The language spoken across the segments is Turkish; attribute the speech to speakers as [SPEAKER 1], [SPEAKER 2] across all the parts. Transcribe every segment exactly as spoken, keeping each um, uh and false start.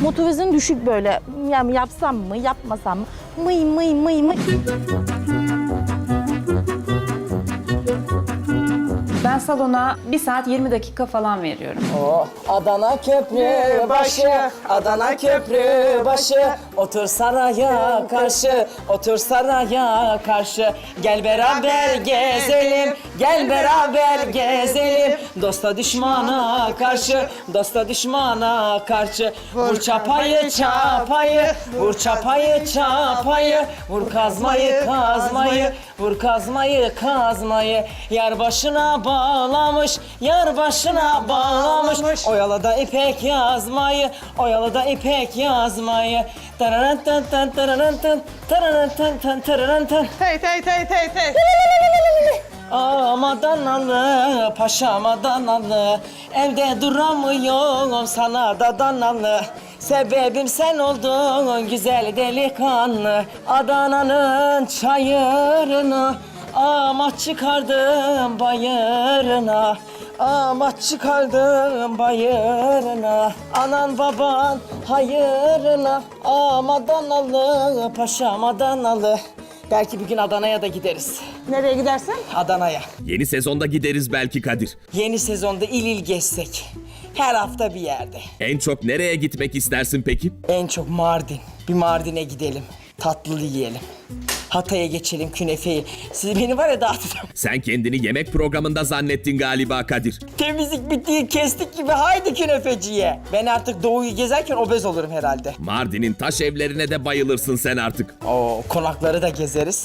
[SPEAKER 1] Motivasyon düşük böyle. Yani yapsam mı, yapmasam mı? Mıy mıy mıy mıy.
[SPEAKER 2] Ben salona bir saat yirmi dakika falan veriyorum.
[SPEAKER 3] Oh, Adana köprü başı, Adana köprü başı. Otur saraya karşı, otur saraya karşı. Gel beraber gezelim, gel beraber gezelim. Dosta düşmana karşı, dosta düşmana karşı. Vur çapayı çapayı, vur çapayı çapayı. Vur kazmayı kazmayı, vur kazmayı kazmayı. Yar başına bağlamış, yar başına bağlamış. Oyalada ipek yazmayı, oyalada ipek yazmayı. Tararantan tan tararantan, tararantan tan tararantan.
[SPEAKER 4] Tey tey tey tey tey.
[SPEAKER 3] Ağam Adanalı, paşam Adanalı. Evde duramıyorum, sana da danalı. Sebebim sen oldun güzel delikanlı. Adana'nın çayırını ama çıkardım bayırına. Ama çıkardım bayırına. Anan baban hayırına. Ama Adanalı, paşam Adanalı. Belki bir gün Adana'ya da gideriz.
[SPEAKER 4] Nereye gidersin?
[SPEAKER 3] Adana'ya.
[SPEAKER 5] Yeni sezonda gideriz belki Kadir.
[SPEAKER 3] Yeni sezonda il il gezsek. Her hafta bir yerde.
[SPEAKER 5] En çok nereye gitmek istersin peki?
[SPEAKER 3] En çok Mardin. Bir Mardin'e gidelim. Tatlı yiyelim. Hatay'a geçelim, künefeyi. Siz beni var ya dağıtacağım.
[SPEAKER 5] Sen kendini yemek programında zannettin galiba Kadir.
[SPEAKER 3] Temizlik bittiği kestik gibi haydi künefeciye. Ben artık doğuyu gezerken obez olurum herhalde.
[SPEAKER 5] Mardin'in taş evlerine de bayılırsın sen artık.
[SPEAKER 3] Oo, konakları da gezeriz.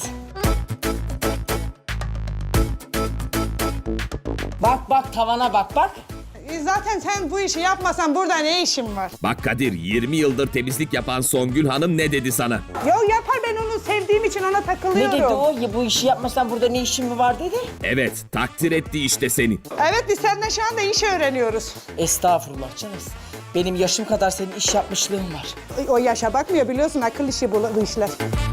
[SPEAKER 3] Bak bak tavana bak bak.
[SPEAKER 4] E, Zaten sen bu işi yapmasan burada ne işin var?
[SPEAKER 5] Bak Kadir, yirmi yıldır temizlik yapan Songül Hanım ne dedi sana?
[SPEAKER 4] Yo yapar, ben onu sevdiğim için ona
[SPEAKER 3] Ne
[SPEAKER 4] takılıyorum.
[SPEAKER 3] dedi o? Ya bu işi yapmasan burada ne işin mi var dedi.
[SPEAKER 5] Evet, takdir etti işte seni.
[SPEAKER 4] Evet, biz seninle şu anda iş öğreniyoruz.
[SPEAKER 3] Estağfurullah canım. Benim yaşım kadar senin iş yapmışlığın var.
[SPEAKER 4] O yaşa bakmıyor, biliyorsun, akıl işi bu, bu işler.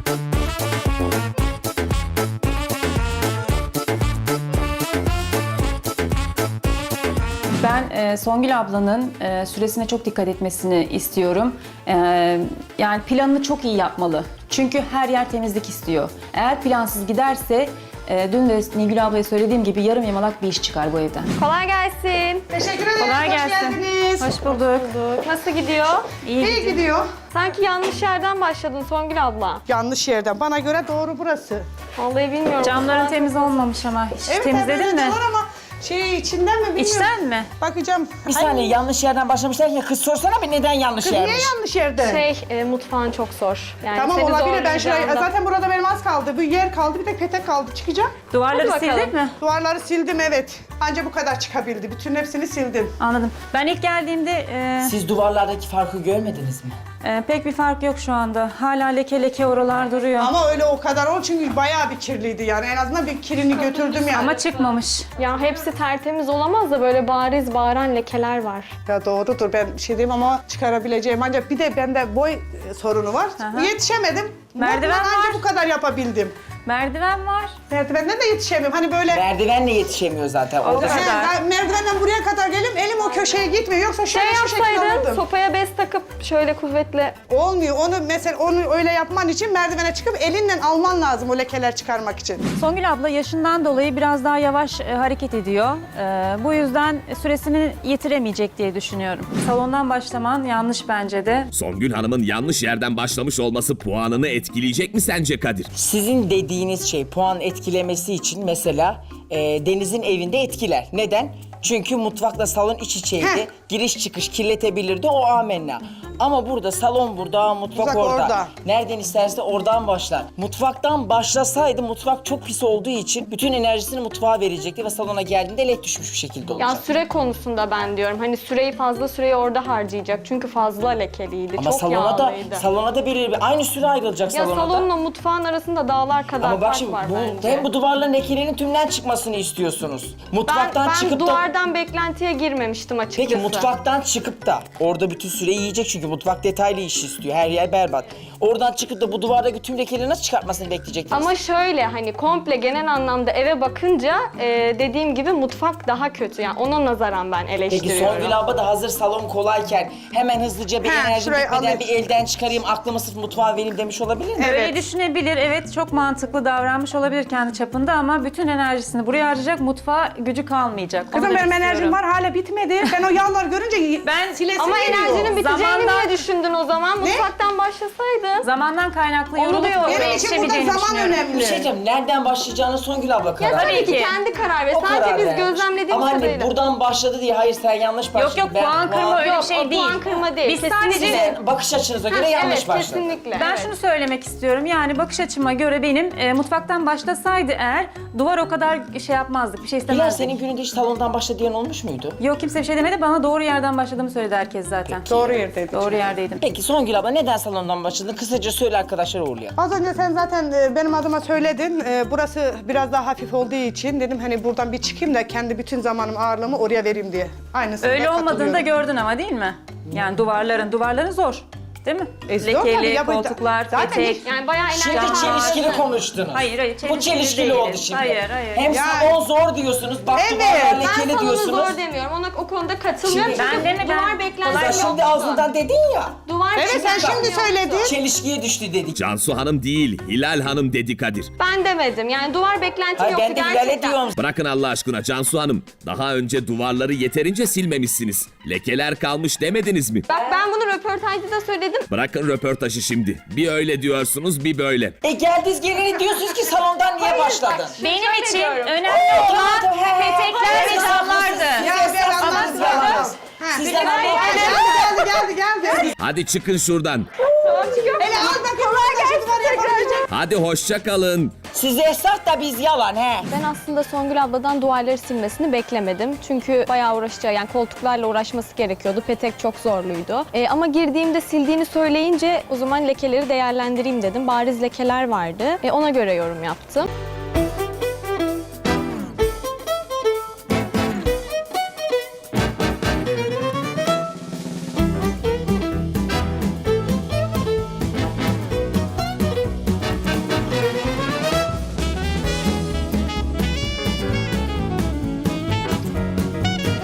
[SPEAKER 2] Ben e, Songül ablanın e, süresine çok dikkat etmesini istiyorum. E, yani planını çok iyi yapmalı. Çünkü her yer temizlik istiyor. Eğer plansız giderse, e, dün de Nilgül ablaya söylediğim gibi yarım yamalak bir iş çıkar bu evden.
[SPEAKER 6] Kolay gelsin.
[SPEAKER 4] Teşekkür ederiz,
[SPEAKER 2] Kolay
[SPEAKER 4] hoş
[SPEAKER 2] gelsin.
[SPEAKER 4] geldiniz.
[SPEAKER 2] Hoş bulduk.
[SPEAKER 6] Nasıl gidiyor?
[SPEAKER 2] İyi.
[SPEAKER 4] İyi gidiyor.
[SPEAKER 6] Sanki yanlış yerden başladın Songül abla.
[SPEAKER 4] Yanlış yerden. Bana göre doğru burası.
[SPEAKER 6] Vallahi bilmiyorum.
[SPEAKER 2] Camların temiz olmamış ama. Hiç
[SPEAKER 4] Evet,
[SPEAKER 2] temizledin
[SPEAKER 4] evet,
[SPEAKER 2] mi?
[SPEAKER 4] var ama şey içinden mi bilmiyorum.
[SPEAKER 2] İçten mi?
[SPEAKER 4] Bakacağım.
[SPEAKER 3] Bir saniye yanlış yerden başlamışlar ya kız sorsana bir neden yanlış
[SPEAKER 4] Kız niye
[SPEAKER 3] yermiş?
[SPEAKER 4] yanlış yerde?
[SPEAKER 6] Şey, e, mutfağın çok zor. Yani
[SPEAKER 4] Tamam,
[SPEAKER 6] seni
[SPEAKER 4] olabilir, ben şuraya,
[SPEAKER 6] zorlayacağından.
[SPEAKER 4] zaten burada benim az kaldı. Bir yer kaldı, bir de petek kaldı. Çıkacağım.
[SPEAKER 2] Duvarları
[SPEAKER 6] Hadi bakalım.
[SPEAKER 2] sildin mi?
[SPEAKER 4] Duvarları sildim, evet. Anca bu kadar çıkabildi. Bütün hepsini sildim.
[SPEAKER 2] Anladım. Ben ilk geldiğimde e,
[SPEAKER 3] Siz duvarlardaki farkı görmediniz mi?
[SPEAKER 2] e, pek bir fark yok şu anda. Hala leke leke oralar duruyor. Ama,
[SPEAKER 4] Ama öyle o kadar ol çünkü bayağı bir kirliydi yani. En azından bir kirini götürdüm yani.
[SPEAKER 2] çıkmamış.
[SPEAKER 6] Ya hepsi tertemiz olamaz da böyle bariz bağıran lekeler var.
[SPEAKER 4] Ya doğrudur, ben bir şey diyeyim ama çıkarabileceğim. Ancak bir de bende boy e, sorunu var.
[SPEAKER 2] Aha.
[SPEAKER 4] Yetişemedim.
[SPEAKER 2] Merdiven
[SPEAKER 4] Bundan anca
[SPEAKER 2] var.
[SPEAKER 4] bu kadar yapabildim.
[SPEAKER 2] Merdiven var.
[SPEAKER 4] Merdivenden de yetişemiyorum. Hani böyle...
[SPEAKER 3] Merdivenle yetişemiyor zaten. Orada
[SPEAKER 4] He,
[SPEAKER 2] kadar.
[SPEAKER 4] ben merdivenden buraya kadar gelim, elim o köşeye gitmiyor. Yoksa
[SPEAKER 6] Şey
[SPEAKER 4] şöyle şu şekilde
[SPEAKER 6] yapsaydın,
[SPEAKER 4] alırdım.
[SPEAKER 6] sopaya bez takıp şöyle kuvvetle...
[SPEAKER 4] Olmuyor. Onu mesela onu öyle yapman için merdivene çıkıp elinle alman lazım o lekeler çıkarmak için.
[SPEAKER 2] Songül abla yaşından dolayı biraz daha yavaş e, hareket ediyor. E, bu yüzden süresini yitiremeyecek diye düşünüyorum. Salondan başlaman yanlış bence de.
[SPEAKER 5] Songül Hanım'ın yanlış yerden başlamış olması puanını etkileyecek mi sence Kadir?
[SPEAKER 3] Sizin dediğiniz şey puan etkilemesi için mesela e, Deniz'in evinde etkiler. Neden? Çünkü mutfakla salon iç içeydi.
[SPEAKER 4] Heh.
[SPEAKER 3] Giriş çıkış kirletebilirdi, o amenna. Ama burada salon burada, mutfak
[SPEAKER 4] Mutfak
[SPEAKER 3] orada.
[SPEAKER 4] orada.
[SPEAKER 3] Nereden isterse oradan başlar. Mutfaktan başlasaydı mutfak çok pis olduğu için bütün enerjisini mutfağa verecekti ve salona geldiğinde lek düşmüş bir şekilde olacak.
[SPEAKER 6] Ya süre konusunda ben diyorum. Hani süreyi fazla süreyi orada harcayacak. Çünkü fazla lekeliydi.
[SPEAKER 3] Ama
[SPEAKER 6] çok
[SPEAKER 3] salona da
[SPEAKER 6] yağlıydı.
[SPEAKER 3] salona da bir aynı süre ayrılacak
[SPEAKER 6] Ya
[SPEAKER 3] salona da.
[SPEAKER 6] salonla mutfağın arasında dağlar kadar
[SPEAKER 3] Ama bak
[SPEAKER 6] fark
[SPEAKER 3] şimdi
[SPEAKER 6] var
[SPEAKER 3] bu,
[SPEAKER 6] bence.
[SPEAKER 3] hem bu duvarların lekelerinin tümden çıkmasını istiyorsunuz.
[SPEAKER 6] Ben,
[SPEAKER 3] Mutfaktan
[SPEAKER 6] ben
[SPEAKER 3] çıkıp da...
[SPEAKER 6] duvardan beklentiye girmemiştim açıkçası.
[SPEAKER 3] Peki mutfaktan çıkıp da orada bütün süreyi yiyecek çünkü Mutfak detaylı iş istiyor. Her yer berbat. Oradan çıkıp da bu duvardaki tüm lekeleri nasıl çıkartmasını bekleyecektiniz?
[SPEAKER 6] Ama şöyle hani komple genel anlamda eve bakınca e, dediğim gibi mutfak daha kötü. Yani ona nazaran ben
[SPEAKER 3] Peki
[SPEAKER 6] eleştiriyorum.
[SPEAKER 3] Songül abla da hazır salon kolayken hemen hızlıca bir
[SPEAKER 4] He,
[SPEAKER 3] enerji
[SPEAKER 4] şurayı
[SPEAKER 3] bitmeden
[SPEAKER 4] alayım.
[SPEAKER 3] bir elden çıkarayım, aklımı sırf mutfağa vereyim demiş olabilir mi?
[SPEAKER 2] Öyle düşünebilir. Evet, çok mantıklı davranmış olabilir kendi çapında ama bütün enerjisini buraya harcayacak, mutfağa gücü kalmayacak. Onu
[SPEAKER 4] Kızım
[SPEAKER 2] da
[SPEAKER 4] benim
[SPEAKER 2] istiyorum.
[SPEAKER 4] enerjim var hala bitmedi. Ben o yağları görünce
[SPEAKER 2] Ben-
[SPEAKER 4] silesim
[SPEAKER 6] Ama
[SPEAKER 4] geliyor.
[SPEAKER 6] enerjinin biteceğini
[SPEAKER 2] Zamandan-
[SPEAKER 6] niye düşündün o zaman? Mutfaktan başlasaydın.
[SPEAKER 2] Zamandan kaynaklı
[SPEAKER 6] Onu
[SPEAKER 2] yorulup
[SPEAKER 6] diyorum.
[SPEAKER 2] oraya
[SPEAKER 4] Benim için burada
[SPEAKER 2] yetişemeyeceğini
[SPEAKER 4] zaman
[SPEAKER 2] düşünüyorum.
[SPEAKER 4] önemli.
[SPEAKER 3] Bir şey diyeceğim, nereden başlayacağını Songül abla karar
[SPEAKER 6] Ya tabii
[SPEAKER 3] verir.
[SPEAKER 6] ki
[SPEAKER 2] ki.
[SPEAKER 6] kendi karar ver.
[SPEAKER 3] O
[SPEAKER 6] Sadece
[SPEAKER 3] karar
[SPEAKER 6] biz
[SPEAKER 3] vermiş.
[SPEAKER 6] gözlemlediğimiz
[SPEAKER 3] Ama hani
[SPEAKER 6] kadarıyla.
[SPEAKER 3] buradan başladı diye hayır sen yanlış başladın.
[SPEAKER 2] Yok yok,
[SPEAKER 3] Ben
[SPEAKER 2] puan kırma öyle bir
[SPEAKER 6] Yok,
[SPEAKER 2] şey
[SPEAKER 6] o
[SPEAKER 2] değil.
[SPEAKER 6] puan kırma değil.
[SPEAKER 2] Biz
[SPEAKER 6] Kesinlikle.
[SPEAKER 2] sadece
[SPEAKER 3] Sizin bakış açınıza göre
[SPEAKER 6] Ha,
[SPEAKER 3] yanlış
[SPEAKER 6] evet,
[SPEAKER 3] başladı.
[SPEAKER 6] kesinlikle.
[SPEAKER 2] ben
[SPEAKER 6] evet.
[SPEAKER 2] şunu söylemek istiyorum. Yani bakış açıma göre benim e, mutfaktan başlasaydı eğer duvar o kadar şey yapmazdık. Bir şey
[SPEAKER 3] Bilal
[SPEAKER 2] istemezdik.
[SPEAKER 3] senin gününde hiç salondan başla diyen olmuş muydu?
[SPEAKER 2] Yok, kimse bir şey demedi. Bana doğru yerden başladığımı söyledi herkes zaten.
[SPEAKER 4] Doğru yerdeydik.
[SPEAKER 2] Doğru yerdeydim.
[SPEAKER 3] Peki Songül abla neden salondan başladın? Kısaca söyle arkadaşlar uğurlayalım.
[SPEAKER 4] Az önce sen zaten e, benim adıma söyledin. E, burası biraz daha hafif olduğu için dedim hani buradan bir çıkayım da kendi bütün zamanım ağırlığımı oraya vereyim diye. Aynısını
[SPEAKER 2] Öyle
[SPEAKER 4] da
[SPEAKER 2] olmadığını da
[SPEAKER 4] katılıyorum.
[SPEAKER 2] gördün ama değil mi? Yani duvarların, duvarların zor. Değil mi?
[SPEAKER 4] E, zor tabii
[SPEAKER 2] Lekeli,
[SPEAKER 4] ya, bu-
[SPEAKER 2] koltuklar,
[SPEAKER 4] zaten
[SPEAKER 2] petek.
[SPEAKER 4] hiç-
[SPEAKER 6] Yani bayağı
[SPEAKER 3] Şimdi
[SPEAKER 6] enerji
[SPEAKER 3] çelişkili
[SPEAKER 6] harcadın.
[SPEAKER 3] konuştunuz.
[SPEAKER 2] Hayır, hayır,
[SPEAKER 3] Bu
[SPEAKER 2] çelişkili
[SPEAKER 3] çelişkili
[SPEAKER 2] değiliz.
[SPEAKER 3] oldu şimdi.
[SPEAKER 2] Hayır, hayır.
[SPEAKER 3] Hem
[SPEAKER 4] Yani-
[SPEAKER 3] salon zor diyorsunuz, bak
[SPEAKER 4] Evet,
[SPEAKER 3] duvarlar
[SPEAKER 6] Ben
[SPEAKER 3] lekeli
[SPEAKER 6] salonu
[SPEAKER 3] diyorsunuz.
[SPEAKER 6] zor demiyorum. Ona o konuda katılmıyorum.
[SPEAKER 3] Şimdi-
[SPEAKER 6] Çünkü
[SPEAKER 2] Ben demedim.
[SPEAKER 6] duvar beklenti
[SPEAKER 3] Sen
[SPEAKER 6] yoktu.
[SPEAKER 3] şimdi ağzından dedin ya.
[SPEAKER 6] Duvar
[SPEAKER 4] Evet sen
[SPEAKER 6] beklenti
[SPEAKER 4] şimdi
[SPEAKER 6] yoktu.
[SPEAKER 4] söyledin.
[SPEAKER 3] Çelişkiye düştü dedik.
[SPEAKER 5] Cansu Hanım değil, Hilal Hanım dedi Kadir.
[SPEAKER 6] Ben demedim. Yani duvar beklenti
[SPEAKER 3] Hayır
[SPEAKER 6] yoktu
[SPEAKER 3] ben de Hilal'e
[SPEAKER 6] gerçekten.
[SPEAKER 3] diyorum.
[SPEAKER 5] Bırakın Allah aşkına Cansu Hanım. Daha önce duvarları yeterince silmemişsiniz. Lekeler kalmış demediniz mi?
[SPEAKER 6] Bak ben bunu röportajda da söyledim.
[SPEAKER 5] Bırakın röportajı şimdi. Bir öyle diyorsunuz, bir böyle.
[SPEAKER 3] E geldiniz geleni diyorsunuz ki salondan niye başladın?
[SPEAKER 2] Benim
[SPEAKER 6] Rica
[SPEAKER 2] için
[SPEAKER 6] ediyorum.
[SPEAKER 2] önemli olan
[SPEAKER 3] He,
[SPEAKER 2] petekler ve
[SPEAKER 3] siz
[SPEAKER 2] camlardı.
[SPEAKER 3] haklısınız,
[SPEAKER 4] Ya
[SPEAKER 3] siz
[SPEAKER 4] ben
[SPEAKER 3] esnafsınız,
[SPEAKER 4] anladım.
[SPEAKER 3] yalanız.
[SPEAKER 4] Ha,
[SPEAKER 3] Sizden
[SPEAKER 4] geldi,
[SPEAKER 3] anladım.
[SPEAKER 4] geldi, geldi, geldi.
[SPEAKER 5] Hadi çıkın şuradan.
[SPEAKER 4] Hele al bakayım. Kolay gelsin.
[SPEAKER 5] Hadi hoşça kalın.
[SPEAKER 3] Siz esnaf da biz yalan he.
[SPEAKER 6] Ben aslında Songül abladan duvarları silmesini beklemedim. Çünkü bayağı uğraşacağı, yani koltuklarla uğraşması gerekiyordu. Petek çok zorluydu. Ee, ama girdiğimde sildiğini söyleyince o zaman lekeleri değerlendireyim dedim. Bariz lekeler vardı. Ee, ona göre yorum yaptım.